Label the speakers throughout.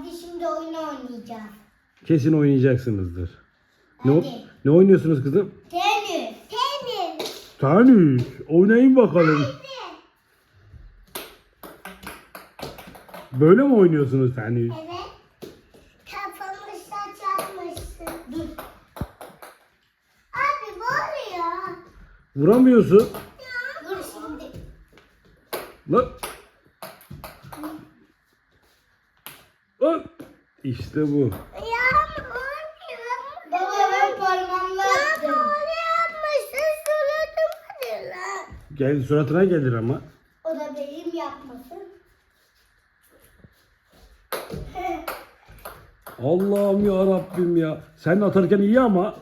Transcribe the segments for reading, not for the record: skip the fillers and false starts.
Speaker 1: Hadi şimdi oyun oynayacağız.
Speaker 2: Kesin oynayacaksınızdır.
Speaker 1: Hadi.
Speaker 2: Ne oynuyorsunuz kızım?
Speaker 1: Tenis. Tenis.
Speaker 2: Tenis. Oynayın bakalım. Böyle mi oynuyorsunuz tenis?
Speaker 1: Evet. Kafamı saçarmışsın. Dur. Abi bu oluyor.
Speaker 2: Vuramıyorsun.
Speaker 1: Dur şimdi.
Speaker 2: Lan. Lan. İşte bu.
Speaker 1: Ayağım oynuyor. Baba ben parmağımla attım. Ya yapmışsın suratım hadi lan.
Speaker 2: Gel suratına gelir ama.
Speaker 1: O da benim yapmasın.
Speaker 2: Allah'ım ya Rabbim ya. Sen atarken iyi ama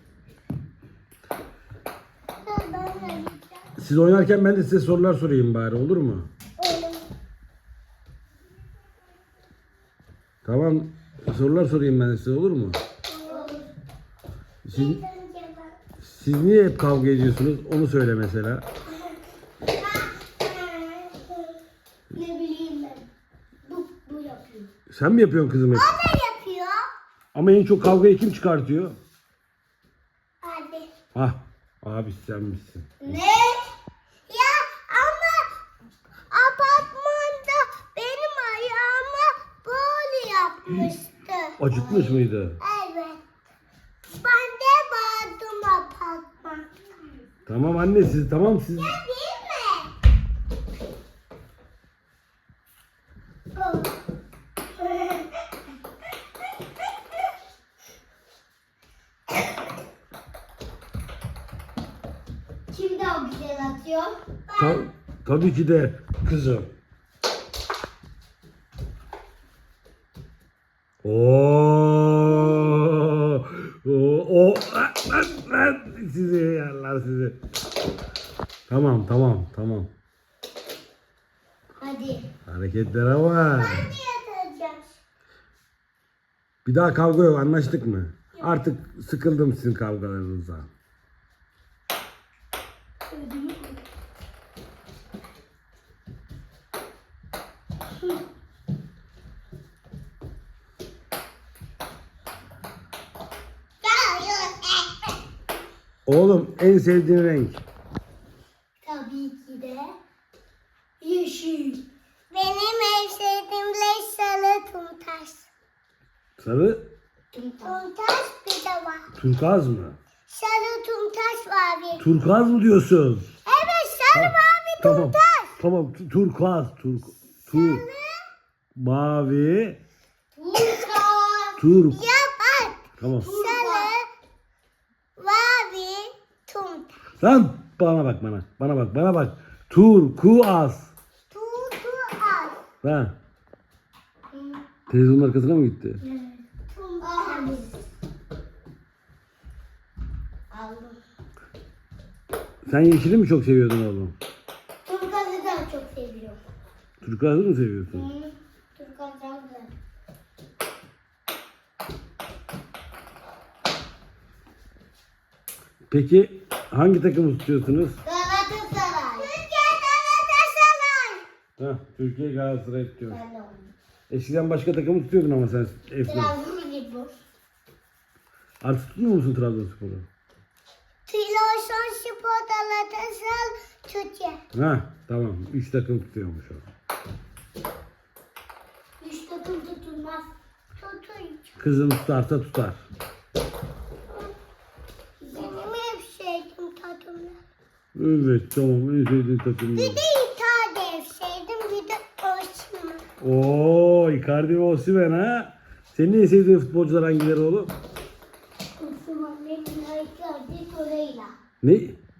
Speaker 2: siz oynarken ben de size sorular sorayım bari, olur mu? Tamam. Sorular sorayım ben de size, olur mu? Siz, siz niye hep kavga ediyorsunuz? Onu söyle mesela.
Speaker 1: Ne bileyim ben. Bu yapıyor.
Speaker 2: Sen mi yapıyorsun kızım hep?
Speaker 1: O da yapıyor.
Speaker 2: Ama en çok kavgayı kim çıkartıyor?
Speaker 1: Abi.
Speaker 2: Hah. Abi sen misin?
Speaker 1: Ne? Ya ama apartmanda benim ayağıma böyle yapmıştı.
Speaker 2: Acıtmış mıydı?
Speaker 1: Evet. Ben de bağırdım apartmanda.
Speaker 2: Tamam anne, siz tamam siz.
Speaker 1: Ya değil mi? Kim daha güzel atıyor?
Speaker 2: Tabii ki de kızım. O sizi yerler sizi. Tamam.
Speaker 1: Hadi.
Speaker 2: Hareketlere bak.
Speaker 1: Ben de yatacağım.
Speaker 2: Bir daha kavga yok, anlaştık mı? Artık sıkıldım sizin kavgalarınızdan. Oğlum en sevdiğin renk?
Speaker 1: Tabii ki de yeşil. Benim en sevdiğim renk sarı tuntaş.
Speaker 2: Sarı?
Speaker 1: Tuntaş bir de var.
Speaker 2: Turkuaz mı?
Speaker 1: Sarı tuntaş var bir.
Speaker 2: Turkuaz mı diyorsun?
Speaker 1: Evet sarı mavi
Speaker 2: Tamam.
Speaker 1: tuntaş.
Speaker 2: Tamam. Turkuaz. Mavi.
Speaker 1: Tuntaş.
Speaker 2: Turk.
Speaker 1: Ya bak.
Speaker 2: Tamam.
Speaker 1: Sarı mavi tuntaş.
Speaker 2: Lan bana bak bana. Bana bak. Turkuaz.
Speaker 1: Tuntaş.
Speaker 2: Ha. Televizyonun arkasına mı gitti?
Speaker 1: Tuntaş. Aldım.
Speaker 2: Sen yeşili mi çok seviyordun oğlum?
Speaker 1: Turgaz'ı da çok seviyorum.
Speaker 2: Turkuaz'ı mı seviyorsun?
Speaker 1: Turgaz daha güzel.
Speaker 2: Peki hangi takımı tutuyorsunuz?
Speaker 1: Galatasaray. Türkiye Galatasaray.
Speaker 2: Ha, Türkiye Galatasaray tutuyor.
Speaker 1: Ben de onu.
Speaker 2: Eskiden başka takımı tutuyordun ama sen Efna.
Speaker 1: Trabzonspor.
Speaker 2: Artık tutmuyor musun Trabzonspor'u?
Speaker 1: Trabzonspor Galatasaray Türkiye.
Speaker 2: Ha, tamam. 3 takım tutuyormuş o.
Speaker 1: 3 takım tutulmaz. Tutulacak.
Speaker 2: Kızım tutarsa tutar.
Speaker 1: Benim hep sevdiğim takımlar.
Speaker 2: Evet, tamam. En sevdiğin takım.
Speaker 1: Bir de İtalya sevdim, bir de Osman.
Speaker 2: Oo, Icardi ve Osimhen ha. Senin en sevdiğin futbolcular hangileri oğlum?
Speaker 1: Osman, Lemina, Icardi, Torreira.
Speaker 2: Ne?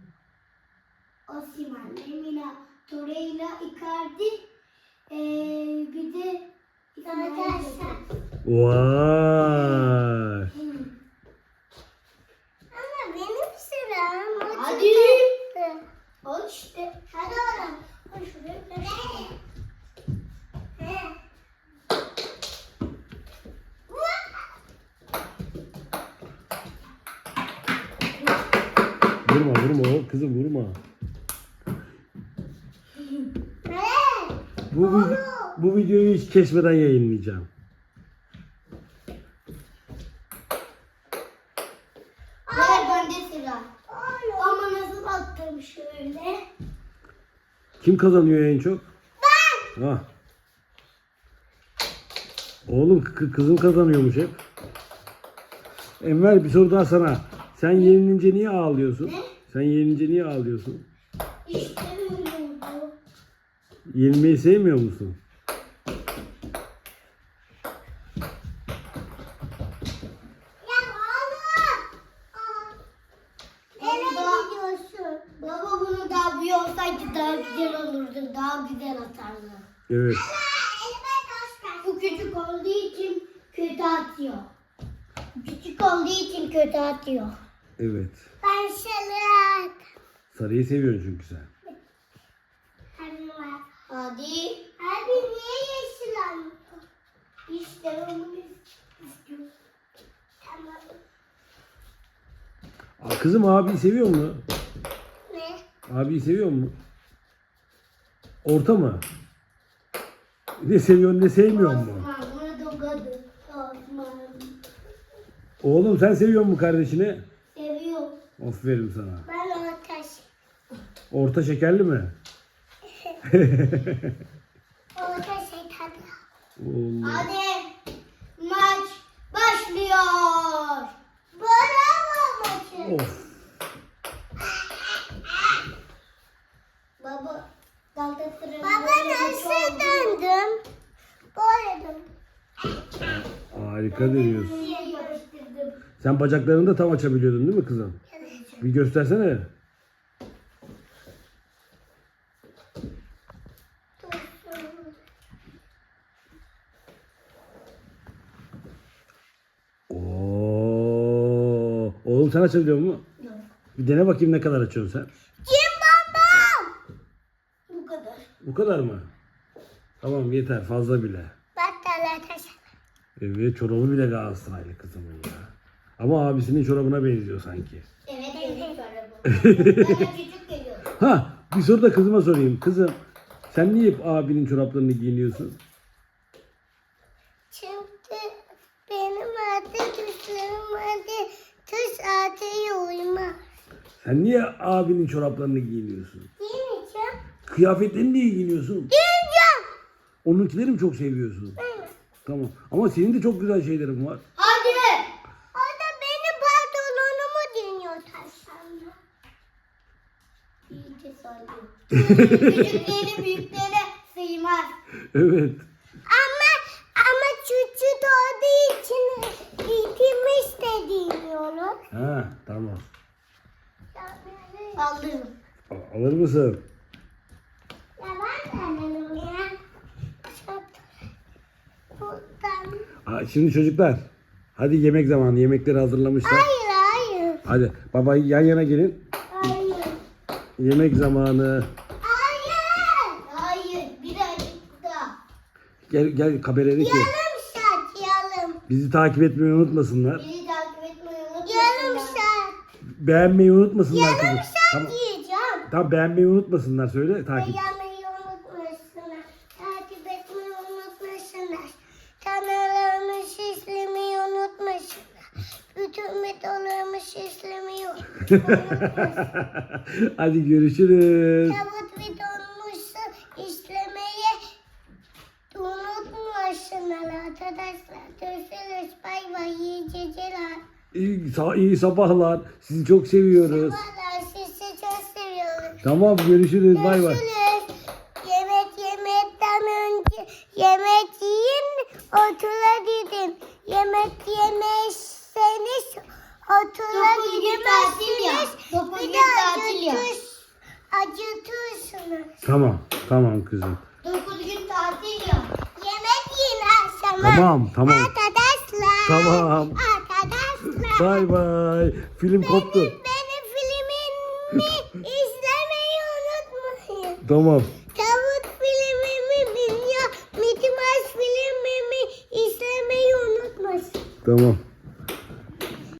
Speaker 1: Osman, Lemina, Torreira, Icardi, bir de Galatasaray.
Speaker 2: Vay.
Speaker 1: Ama benim sıram. Hadi. Al işte. Hadi oğlum. Koy şuraya.
Speaker 2: Vurma oğlum, kızım vurma. Bu videoyu hiç kesmeden yayınlayacağım.
Speaker 1: şöyle.
Speaker 2: Kim kazanıyor en çok? Ben. Ah. Oğlum kızım kazanıyormuş hep. Enver bir soru daha sana. Sen yenilince niye ağlıyorsun?
Speaker 1: Ne?
Speaker 2: Sen yenilince niye ağlıyorsun?
Speaker 1: İstemiyorum.
Speaker 2: Yenilmeyi sevmiyor musun?
Speaker 1: Ya oğlum. Nereye gidiyorsun? Baba bunu daha büyük olsaydı daha güzel olurdu. Daha güzel atardı.
Speaker 2: Evet.
Speaker 1: Bu küçük olduğu için kötü atıyor. Küçük olduğu için kötü atıyor.
Speaker 2: Evet.
Speaker 1: Ben sarı.
Speaker 2: Sarıyı seviyorsun çünkü sen.
Speaker 1: Hadi. Hadi niye yeşil almıyor? İşte onu istiyorum. Tamam.
Speaker 2: Kızım abiyi seviyor mu?
Speaker 1: Ne?
Speaker 2: Abiyi seviyor mu? Orta mı? Ne seviyorsun ne sevmiyor mu?
Speaker 1: Osman bunu dokadı. Osman.
Speaker 2: Oğlum sen seviyor mu kardeşini?
Speaker 1: Seviyor.
Speaker 2: Aferin sana.
Speaker 1: Ben ateş.
Speaker 2: Orta şekerli mi?
Speaker 1: Orada şeytan.
Speaker 2: Oğlum.
Speaker 1: Hadi maç başlıyor. Bravo maçı.
Speaker 2: Of.
Speaker 1: Baba nasıl döndüm? Böyle döndüm.
Speaker 2: Harika dönüyorsun.
Speaker 1: Niye yarıştırdım?
Speaker 2: Sen bacaklarını da tam açabiliyordun değil mi kızım? Bir göstersene. Oo. Oğlum sen açabiliyor musun?
Speaker 1: Yok.
Speaker 2: Bir dene bakayım ne kadar açıyorsun sen.
Speaker 1: Kim babam? Bu kadar.
Speaker 2: Bu kadar mı? Tamam yeter fazla bile.
Speaker 1: Battala taş.
Speaker 2: Evet çorabı bile Galatasaraylı kızımın ya. Ama abisinin çorabına benziyor sanki.
Speaker 1: Evet benim çorabım. Bana küçük geliyor.
Speaker 2: Ha bir soru da kızıma sorayım. Kızım sen niye hep abinin çoraplarını giyiniyorsun?
Speaker 1: Çünkü benim adı tuşlarım adı tuş adı uymaz.
Speaker 2: Sen niye abinin çoraplarını giyiniyorsun?
Speaker 1: Giymeyeceğim.
Speaker 2: Kıyafetlerini niye giyiniyorsun?
Speaker 1: Giyeceğim.
Speaker 2: Onunkileri mi çok seviyorsun?
Speaker 1: Evet.
Speaker 2: Tamam. Ama senin de çok güzel şeylerin var.
Speaker 1: Hadi. O da benim pantolonumu dinliyor taşlarla. İyice sarıyor. Küçükleri büyükleri sığmaz.
Speaker 2: Evet.
Speaker 1: Ama küçük olduğu için giymiş de dinliyorum.
Speaker 2: Ha tamam.
Speaker 1: Alırım.
Speaker 2: Alır mısın?
Speaker 1: Ya ben de alırım ya. Çok buradan.
Speaker 2: Şimdi çocuklar. Hadi yemek zamanı. Yemekleri hazırlamışlar.
Speaker 1: Hayır.
Speaker 2: Hadi baba yan yana gelin.
Speaker 1: Hayır.
Speaker 2: Yemek zamanı.
Speaker 1: Hayır. Birazcık da.
Speaker 2: Gel kameraya ki.
Speaker 1: Yarım saat yarım.
Speaker 2: Bizi takip etmeyi unutmasınlar.
Speaker 1: Bizi takip etmeyi unutmasınlar. Yarım saat.
Speaker 2: Beğenmeyi unutmasınlar.
Speaker 1: Yarım
Speaker 2: kızım.
Speaker 1: saat
Speaker 2: Tamam.
Speaker 1: yiyeceğim.
Speaker 2: Tamam beğenmeyi unutmasınlar. Söyle takip.
Speaker 1: Beğenmeyi unutmasınlar. Takip etmeyi unutmasınlar. Kanallarımı şişlemeyi unutmasınlar. Bütün videolarımı şişlemeyi unutmasınlar.
Speaker 2: Hadi görüşürüz.
Speaker 1: Tavuk videomu işlemeyi unutmasınlar arkadaşlar. Görüşürüz. Bay bay. İyi geceler.
Speaker 2: İyi sabahlar. Sizi çok seviyoruz.
Speaker 1: Vallahi sizi çok seviyorum.
Speaker 2: Tamam görüşürüz. Bay bay.
Speaker 1: Görüşürüz. Yemek yemekten önce yemek yiyin, otura gidin. Yemek yemezseniz otura gidemezsiniz. Bir de acıtırsınız.
Speaker 2: Tamam kızım.
Speaker 1: 9 gün tatil ya. Yemek yiyin akşama.
Speaker 2: Tamam.
Speaker 1: Arkadaşlar.
Speaker 2: Tamam.
Speaker 1: Arkadaşlar.
Speaker 2: Bay bay. Film koptu.
Speaker 1: Benim filmimi izlemeyi unutmayın.
Speaker 2: Tamam.
Speaker 1: Tavuk filmimi biliyor. Mickey Mouse filmimi izlemeyi unutmasın.
Speaker 2: Tamam.